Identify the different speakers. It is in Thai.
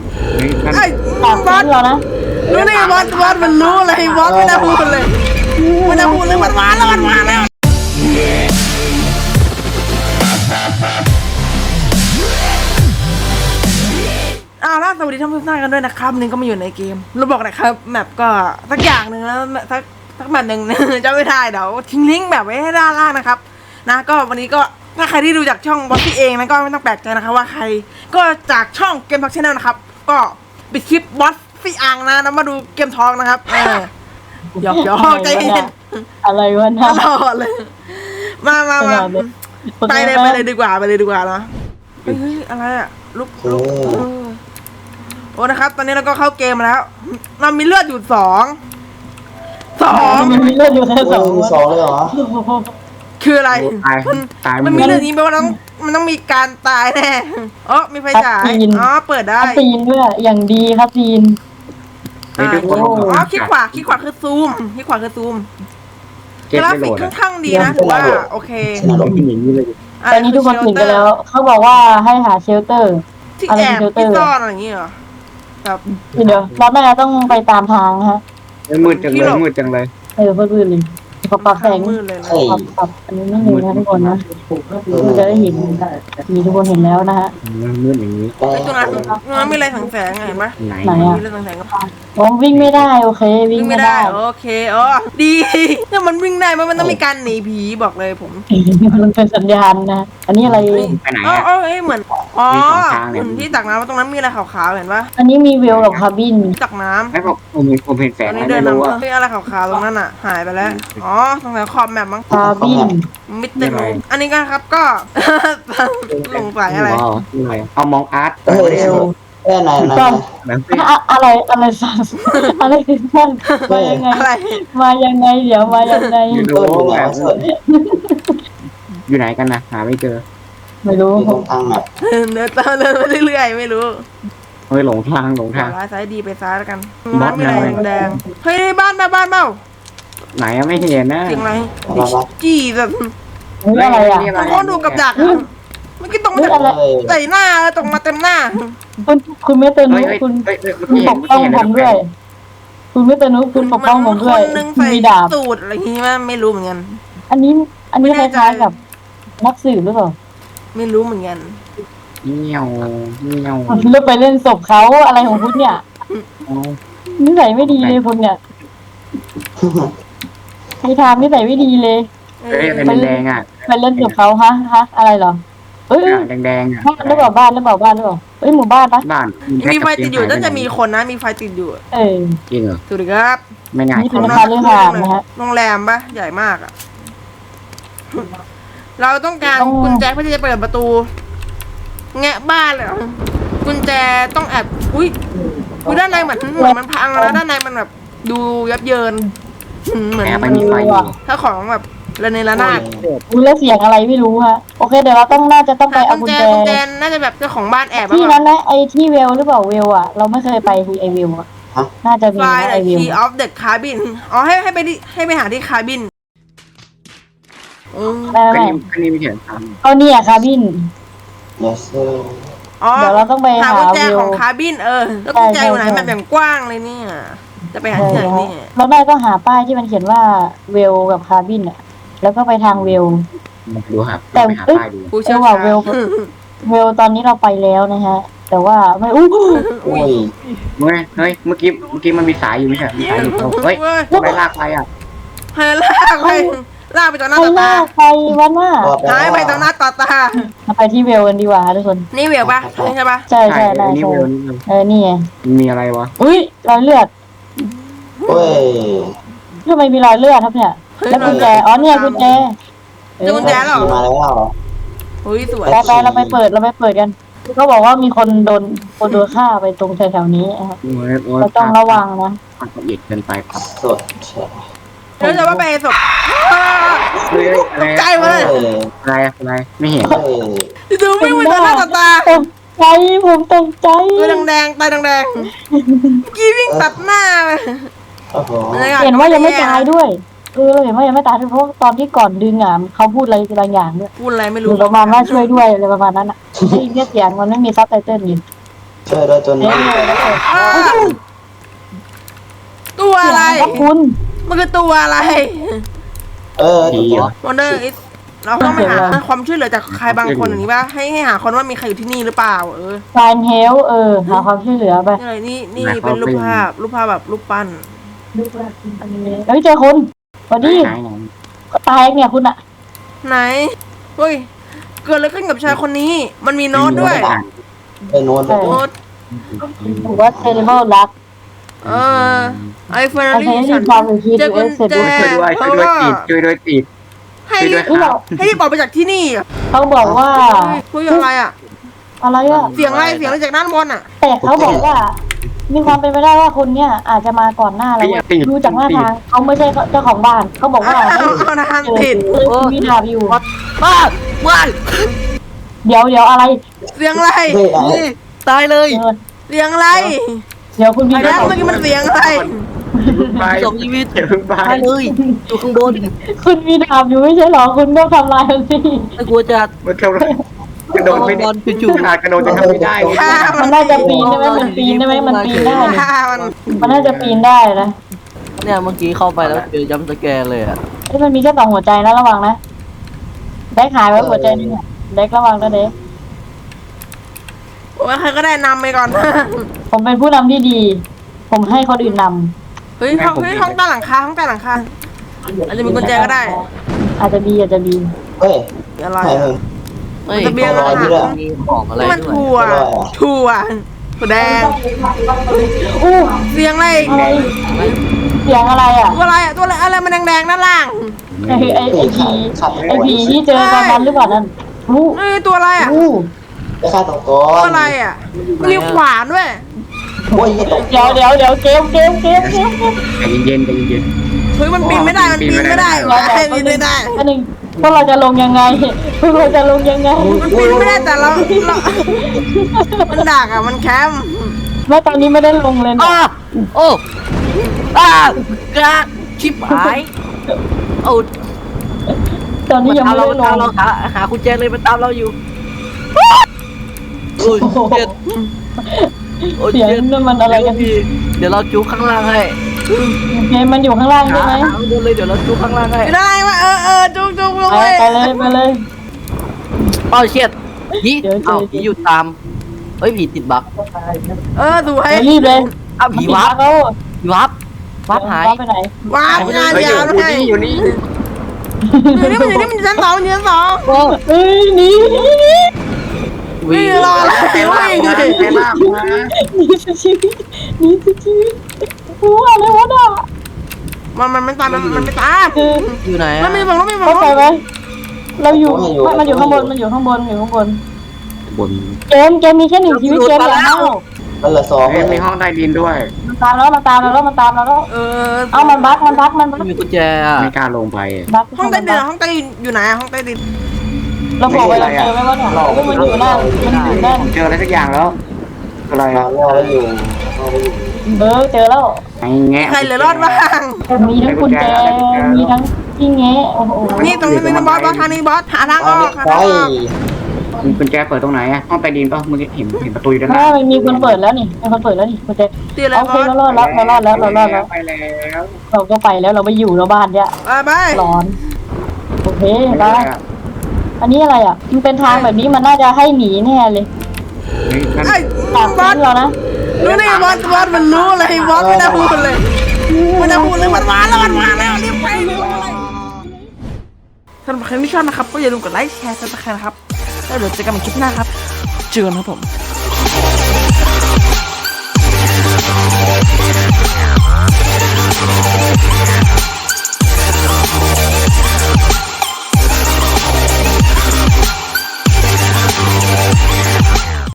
Speaker 1: ไอ้
Speaker 2: ปาก
Speaker 1: บอส
Speaker 2: เดียวนะ
Speaker 1: ดูนี่บอสมันรู้เลยบอสไม่น่าพูดเลยไม่น่าพูดเลยมันมาแล้วอ้าวแล้วสวัสดีท่านผู้ชมกันด้วยนะครับนี่ก็มาอยู่ในเกมเราบอกนะครับแมปก็สักอย่างหนึ่งแล้วสักแมปหนึ่ง จะไม่ได้เดี๋ยวทิ้งลิงก์แบบไว้ให้ด้านล่างนะครับนะก็วันนี้ก็ถ้าใครที่ดูจากช่องบอสซี่เองนะก็ไม่ต้องแปลกใจนะครับว่าใครก็จากช่องเกมพักชแนลนะครับก็ปิดคลิปบอสซี่อังนะแล้วมาดูเกมทองนะครับหยอกใจเย็น
Speaker 2: อะไรวะ
Speaker 1: ต
Speaker 2: นะ
Speaker 1: ลอดเลยมาไปเลยดีกว่าเนาะเฮ้ยอะไรอะลุกโอ้นะครับ ตอนนี้เราก็เข้าเกมแล้วเรามีเลือดอยู่สอง
Speaker 2: มันมีเลือดอยู่แค่สอง
Speaker 3: เลยเหรอ
Speaker 1: คืออะไร
Speaker 4: ตาย
Speaker 1: มันมีเลือดนี้แปลว่ามันต้องมีการตายแน่อ๋อมีไฟฉายอ๋อเปิดได้
Speaker 2: ซีนด้วยอย่างดีครับซีน
Speaker 1: อ๋อคลิกขวาคือซูมกราฟิกค่อนข้างดีนะถือว่าโอเค
Speaker 4: อย่างนี้เลย
Speaker 2: ตอนนี้ทุกคนตื่นกันแล้วเขาบอกว่าให้หาเชลเตอร์
Speaker 1: ที่แอบที่ซ่อนอะไรอย่างเงี้ยเหรอแบบ
Speaker 2: เดี๋ยวเราแม่ต้องไปตามทางฮะ
Speaker 4: มืดจังเลย
Speaker 2: เพื่อนเลยขอปรับแสง
Speaker 1: มืดเลยนะ
Speaker 2: ปรับอันนี้นั่นเลยนะทุกคนนะคุณจะได้เห็นมีทุกคนเห็นแล้วนะฮะ
Speaker 4: มืดอย่างนี้
Speaker 1: ไอ้ตรงนั้นมีอะไรแสงๆเห็นปะ
Speaker 4: ไหน
Speaker 1: มีอะไรแสงๆก็พอ
Speaker 2: ผมวิ่งไม่ได้โอเควิ่งไม่ได้
Speaker 1: โอเคอ๋อดีถ้ามันวิ่งได้มันต้องมีการหนีผีบอกเลยผม
Speaker 2: มันเป็นสัญญาณนะอันนี้อะไร
Speaker 4: ไปไหน
Speaker 1: อ๋อ
Speaker 4: อ่ะ
Speaker 1: เหมือนที่ตักน้ำตรงนั้นมีอะไรขาวๆเห็นปะ
Speaker 2: อันนี้มีเวลกับคาร์บิน
Speaker 1: ตักน้ำ
Speaker 4: ไม่ผมเห็นแส
Speaker 1: ต
Speaker 4: ง
Speaker 1: อนนี้
Speaker 4: ไม่
Speaker 1: เดิน
Speaker 4: รู้
Speaker 1: นำ
Speaker 4: ว่า
Speaker 1: มีอะไรขาวๆตรงนั้นอ่ะหายไปแล้วอ๋อตรงไหนขอบแมปมั้ง
Speaker 2: คาร์บิน
Speaker 1: มิดเต็มอันนี้ก็ครับก็สงสัยอะไร
Speaker 4: เอามองอาร์ต
Speaker 3: ไหน
Speaker 2: อะไรสัสอะไรคือนั่นมายังไง
Speaker 1: อะไร
Speaker 2: มายังไงเดี๋ยวมายังไง
Speaker 4: อยู่ไหนกันนะหาไม่เจอ
Speaker 2: ไม่รู้
Speaker 3: ตรงทางแบบ
Speaker 1: เดินตามเดินไปเรื่อยๆไม่รู้
Speaker 4: เฮ้ยหลงทาง
Speaker 1: ซ้ายดีไปซ้ายแล้วกันร้านมีอะไรแดงเฮ้ยบ้านเบ้า
Speaker 4: ไหนไม่เห็นนะ
Speaker 1: เสียงอะไรจี้แบบ
Speaker 2: อะไรอ่ะ
Speaker 1: มันคนดูกับดักเมื่อกี้ตรงมาใส่หน้าตรงมาเต็มหน้า
Speaker 2: คุณไม่เตือนนุคุณปกป้องผมด้วยคุณไม่เตือนนุคุณปกป้องผมด้วย
Speaker 1: คนนึงใส่
Speaker 2: มีดาบ
Speaker 1: สูตรอะไรอย่างงี้ไม่รู้เหมือนกัน
Speaker 2: อันนี้คล้ายๆกับนักสืบหรือเปล่า
Speaker 1: ไม่รู้เหมือนกัน
Speaker 4: เงี้ยว
Speaker 2: เลือกไปเล่นศพเขาอะไรของคุณเนี่ยนิสัยไม่ดีเลยคุณเนี่ยใครทำนิสัยไม่ดีเลย
Speaker 4: เฮ้ยเป็นแดงอ่ะ
Speaker 2: ไปเล่นศพเขาฮะอะไรเหรอเอ้ย
Speaker 4: แดงอ่ะ
Speaker 2: บ้านหรือเปล่าเอ้ยหมู่บ้านปะ
Speaker 4: บ้าน
Speaker 1: มีไฟติดอยู่น่าจะมีคนนะมีไฟติดอยู่
Speaker 4: จริงเหรอ
Speaker 1: สวัสดีครับ
Speaker 4: ไม่ง่าย
Speaker 2: นี่เป็นคาเรือหางนะฮะ
Speaker 1: โรงแรมปะใหญ่มากอ่ะเราต้องการกุญแจเพื่อที่จะเปิดประตูแงะบ้านเลยกุญแจต้องแอบอุ้ยด้านในเหมือนมันพังแล้วด้านในมันแบบดูยับเยินเหมือน
Speaker 4: แอบมันมีไฟอยู่
Speaker 1: ถ้าของแบบระเนระนาด
Speaker 2: แล้วเสียงอะไรไม่รู้ฮะโอเคเดี๋ยวเราน่าจะต้องไปเอากุญแจ
Speaker 1: น่าจะแบบเจ้าของบ้านแอบ
Speaker 2: ที่นั้นนะไอที่เวลหรือเปล่าเวลอ่ะเราไม่เคยไปที่ไอเวลอ่ะน่าจะมี
Speaker 1: ไฟล์
Speaker 2: ไอเวล
Speaker 1: key of the cabin อ๋อให้ไปหาที่คาบิน
Speaker 2: ได้
Speaker 4: ก็
Speaker 2: ไหม
Speaker 4: นี่ไม่เห็นท
Speaker 2: เอาเนี่ยคาบิน
Speaker 3: yes sir
Speaker 1: อ๋อ
Speaker 2: เดี๋ยวเราต้องไป
Speaker 1: หา
Speaker 2: หา
Speaker 1: กุญแจ
Speaker 2: วิว
Speaker 1: ของคาบินแล้วกุญแจอยู่ไหนมันแบบกว้างเลยเนี่ยจะไปหาที่ไหนเนี่ย
Speaker 2: เราได้ก็หาป้ายที่มันเขียนว่าเวลกับคาบินอ่ะแล้วก็ไปทางเวล
Speaker 4: ำดูครับ
Speaker 2: แต่
Speaker 4: ไปหาป้ายดู
Speaker 1: ผู้เชี่ยว
Speaker 2: ว่า
Speaker 1: ชาญ
Speaker 2: เวลตอนนี้เราไปแล้วนะฮะแต่ว่าไม่อู้
Speaker 3: อุ้ย
Speaker 4: เมื่อกี้มันมีสายอยู่ไม่ใช่มีสายอยู่เฮ้ยไปลากไปอ่ะ
Speaker 1: ให้ลากไปต่อหน้า
Speaker 2: ใคร
Speaker 1: ต่อ
Speaker 2: หน้า
Speaker 1: ตา
Speaker 2: ใครวันว่า
Speaker 1: หายไปต่อหน้าต่อตา
Speaker 2: เราไปที่เวลกันดีกว่าทุกคน
Speaker 1: นี่เวลปะใช่ปะ
Speaker 2: ใช่ได้
Speaker 4: นี่
Speaker 2: ใช่
Speaker 4: เวลนี่
Speaker 2: นี่ไง
Speaker 4: มีอะไรวะ
Speaker 2: อุ้ยรอยเลือด
Speaker 3: เฮ้ย
Speaker 2: ทำไมมีรอยเลือดครับเนี่ยแล้วกุญแจอ๋อเนี่ยกุญแจ
Speaker 1: กุญแจหรอ
Speaker 3: มาแล้ว
Speaker 1: อุ้ยสวย
Speaker 2: ไปเราไปเปิดกันเขาบอกว่ามีคนโดนฆ่าไปตรงแถวๆนี้เราต้องระวังนะ
Speaker 4: ความละเอียดเกินไปครับ
Speaker 3: สด
Speaker 1: แล้วจะว่าไปศพ
Speaker 4: อะไร
Speaker 1: ใจมาเลย
Speaker 4: อะไรไม่เห็น
Speaker 3: เฮ้ย
Speaker 1: ดูไม่เหมือนต่อหน้าต่อตา
Speaker 2: ตกใจผมตกใจ
Speaker 1: ตัวแดงตาแดงกี้วิ่งตัดหน้าไป
Speaker 3: โอ้โห
Speaker 2: เห็นว่ายังไม่ตายด้วยเราเห็นว่ายังไม่ตายด้วยเพราะตอนที่ก่อนดึงอ่ะเขาพูดอะไรบางอย่างด้วย
Speaker 1: พูดอะไรไม่
Speaker 2: ห
Speaker 1: รู้
Speaker 2: รือประมาณว่าช่วยด้วยอะไรประมาณนั้นอ่ะไอ้เนี่ยเสียงมันไม่มีซับไตเติ้ลอยู่
Speaker 3: ช่วยด้วยจน
Speaker 2: เอ๊ะ
Speaker 1: อ้าวตัวอะไร
Speaker 2: ครับคุณ
Speaker 1: มันคือตัวอะไร
Speaker 3: ดีอ่ะ
Speaker 1: Wonder is เราต้องไปหาความช่วยเหลือจากใครบางคนอย่างนี้ป่ะให้หาคนว่ามีใครอยู่ที่นี่หรือเปล่า
Speaker 2: ฟนเฮลหาความช่วยเหลือไป
Speaker 1: นี่อะไรนี่เป็นรูปภาพแบบรูปปั้น
Speaker 2: เฮ้ยเจอคนสวัสดี
Speaker 4: ไหน
Speaker 2: ตายเนี่ยคุณอะ
Speaker 1: ไหนเฮ้ยเกิดอะไรขึ้นกับชายคนนี้ มันมีโน้ตด้วย
Speaker 3: ไปโน้ต
Speaker 1: โน้ต
Speaker 2: ถือว่าเทเลเบิลรัก
Speaker 1: ไอเฟอร์
Speaker 2: ไอ
Speaker 1: รี่
Speaker 2: เทน
Speaker 1: ฉั
Speaker 2: ที่
Speaker 1: น
Speaker 2: ความเป็นคี
Speaker 1: เจอกุญแจ
Speaker 4: ช่วยด้วยติด
Speaker 1: ให้
Speaker 4: ช่วยด้วย
Speaker 2: นี่เรา
Speaker 1: ให้รีบออกไปจากที่นี่
Speaker 2: เขาบอกว่า
Speaker 1: คุยอะไรอ่ะ
Speaker 2: อะไรอะ
Speaker 1: เสียงอะไรจากด้านบนอ่ะ
Speaker 2: แต่เขาบอกว่า มีความเป็นไปได้ว่าคนเนี้ยอาจจะมาก่อนหน้าเราดูจากหน้าทางเขาไม่ใช่เจ้าของบ้านเขาบอกว่า
Speaker 1: เอานานติด
Speaker 2: มีดาบอยู่
Speaker 1: บ้าบ้า
Speaker 2: เดี๋ยวอะไร
Speaker 1: เสียงอะไร
Speaker 5: ตายเลย
Speaker 1: เสียงอะไร
Speaker 2: เดี๋ยวคุณมี
Speaker 1: ไอ้นั่นเมื่อกี้มันเสียงอะไร
Speaker 4: ไป
Speaker 5: จบชีวิต
Speaker 4: เดี๋ยวเพิ่งไป
Speaker 5: ตายเลยอยู่ข้างบน
Speaker 2: คุณมีดาบอยู่ไม่ใช่หรอคุณต้องทำลายมันสิ
Speaker 5: ไม่กลัวจะ
Speaker 4: มันกระโดดไม่ได้
Speaker 5: จู่
Speaker 4: ขนาดกระโดดจะทำไม่ได้
Speaker 1: ฆ่า
Speaker 2: มันน่าจะปีนได้ไหมมันปีนได้ไหมมันปีนได้นี่
Speaker 1: ฆ่ามัน
Speaker 2: มันน่าจะปีนได้นะ
Speaker 5: ๆเนี่ยเมื่อกี้เข้าไปแล้วเจอจัมป์สแกร์เลยอ่ะ
Speaker 2: ที่มันมีแค่2 หัวใจนะระวังนะเด็กหายไว้หัวใจนึงอะเด็กระวังนะเด็ก
Speaker 1: โอ้ยใครก็ได้นำไปก่อน
Speaker 2: ผมเป็นผู้นำที่ดี ผมให้คนอื่นน
Speaker 1: เฮ้ยห้องใต้หลังคาอาจจะมีกุญแจก็ได้
Speaker 2: ำอาจจะบี
Speaker 3: เฮ้ย
Speaker 1: อะไร
Speaker 3: ใช่
Speaker 1: อะ
Speaker 5: เฮ้ย
Speaker 1: จะเบี้ยง
Speaker 3: อะไร
Speaker 1: อา
Speaker 3: นี่
Speaker 1: หาร
Speaker 3: ล่ะ
Speaker 5: มีของอะไร
Speaker 1: นี่มัน
Speaker 5: ด้วย
Speaker 1: ถั่วถั่วแดง
Speaker 2: อู้
Speaker 1: เสียงอะไร
Speaker 2: อะไรเสียงอะไรอ่ะ
Speaker 1: ตัวอะไรมันแดงๆด้านล่าง
Speaker 2: ไอผีที่เจอตอนนั้นหรือเปล่านั่นอู้
Speaker 1: นี่ตัวอะไรอ่ะ
Speaker 2: อู้
Speaker 3: ไปฆ่าตกก
Speaker 1: ตัว
Speaker 3: อน
Speaker 1: อะไรอ่ะมันมีขวานด้วย
Speaker 3: โอ้ยตก
Speaker 2: เดี๋ยวเกม
Speaker 4: ใจเย็น
Speaker 1: เฮ้ยมันปีนไม่ได้มันปีนไม่ได้ปีนไม่ได้
Speaker 2: อันหนึ่งพวกเราจะลงยังไงพวกเราจะลงยังไง
Speaker 1: มันปีนไม่ได้แต่เรามันดักอ่ะมันแคม
Speaker 2: แม่ตอนนี้ไม่ได้ลงเลยนะ
Speaker 5: อ้าโอ้กระชิบหายโอ้
Speaker 2: ตอนนี้ยังไม่ได้ล
Speaker 5: ตาม
Speaker 2: ง
Speaker 5: เราหากุญแจเลยมันตามเราอยู่โอ้ยเจ็ดโอ้ย
Speaker 2: เสียง
Speaker 5: เจ็ด
Speaker 2: นั่นมันอะไรกัน
Speaker 5: พี่เดี๋ยวเราจูข้างล่างให้
Speaker 2: เกมมันอยู่ข้างล่างใช่ไหม
Speaker 5: หาข้างบนเลยเดี๋ยวเราจูข้างล่างให้
Speaker 1: ไม่ได้วะจุกลง
Speaker 2: ไป
Speaker 1: เลย
Speaker 2: เลย
Speaker 5: อ้าวเชียดผีเอ้าผีอยู่ตามเฮ้ยผีติดบั๊ก
Speaker 1: สวย
Speaker 2: รีบเลย
Speaker 5: อ้าวผีวับ
Speaker 2: เขา
Speaker 5: ผีวับวับหาย
Speaker 2: ไปไหน
Speaker 1: ว้าวงานยาวด้วย
Speaker 4: อยู่นี่
Speaker 1: มันอยู่ชั้น 2อยู่ชั้น 2
Speaker 2: เฮ้ยหนี
Speaker 1: วิ่งรออะไรวิ่งเลย
Speaker 2: หนีสุดชีวิตหนีสุดชีวิตรู้อะไรวะน่ะ
Speaker 1: มันไม่ตามมันไม่ตาม
Speaker 2: คือ
Speaker 5: อยู่ไหน
Speaker 1: มันไม่บอกไม่บอ
Speaker 2: เข้าก ใจไหมเราอยู่มันอยู่ข้างบนมันอยู่ข้างบนอยู่ข้างบน
Speaker 4: บน
Speaker 2: เกมมีแค่1 ชีวิตเกมอย่าเน่า
Speaker 3: มันเหลือ2
Speaker 4: มีห้องใต้ดินด้วย
Speaker 2: มันตามเราแล้วเอามันบั๊ก
Speaker 5: มีกุญแจอ่ะ
Speaker 4: ไม่กล้าลงไป
Speaker 2: บั๊ก
Speaker 1: ห้องใต้ดินอยู่ไหนห้องใต้ดิน
Speaker 2: เราบอกไปเราเจอไหมว่าเนี่ยมันอยู่นั่นมันอยู่นั่น
Speaker 4: ผมเจออะไรสักอย่างแล้วอะไร
Speaker 3: มาล่อแล้วอยู่
Speaker 2: เจอแล้ว
Speaker 4: ไอ้แงะ
Speaker 1: ใครเหลือรอดบ้าง
Speaker 2: มีทั้งกุญแจมีทั้งที่แงะโอ้โห
Speaker 1: นี่ตรงนี้บอสทางนี้บอสหาทางออกหา
Speaker 3: ไป
Speaker 1: ทางออก
Speaker 4: มีกุญแจเปิดตรงไหนอะห้องใต้ดินป่ะเมื่อกี้เห็นประตูอยู่ด้านห
Speaker 2: ถ้า
Speaker 4: น้า
Speaker 2: มันมีคนเปิดแล้วนี่มีคนเปิดแล้วนี่กุญแจ
Speaker 1: ตีอะไร
Speaker 2: โอบ เค
Speaker 1: อส
Speaker 2: เรารอดแล้ว
Speaker 4: ไปแล้ว
Speaker 2: เราก็ไปแล้วเราไม่อยู่แล้วบ้านเนี่ย
Speaker 1: ไป
Speaker 2: ร้อนโอเคไปอันนี้อะไรอ่ะมันเป็นทางแบบนี้มันน่าจะให้หนีแน่เลย
Speaker 1: ไอ้
Speaker 2: จาก
Speaker 1: บอ
Speaker 2: นั้
Speaker 1: ส
Speaker 2: นเรานะ
Speaker 1: รู้นี่บอสมันรู้เลยบอสไม่ได้พูดเลยมันมาแล้วรีบไปสำหรับใครที่ชอบนะครับก็อย่าลืมกดไลค์แชร์ซับสไครต์นะครับแล้วเดี๋ยวเจอกันใหม่คลิปหน้าครับเจอกันครับผม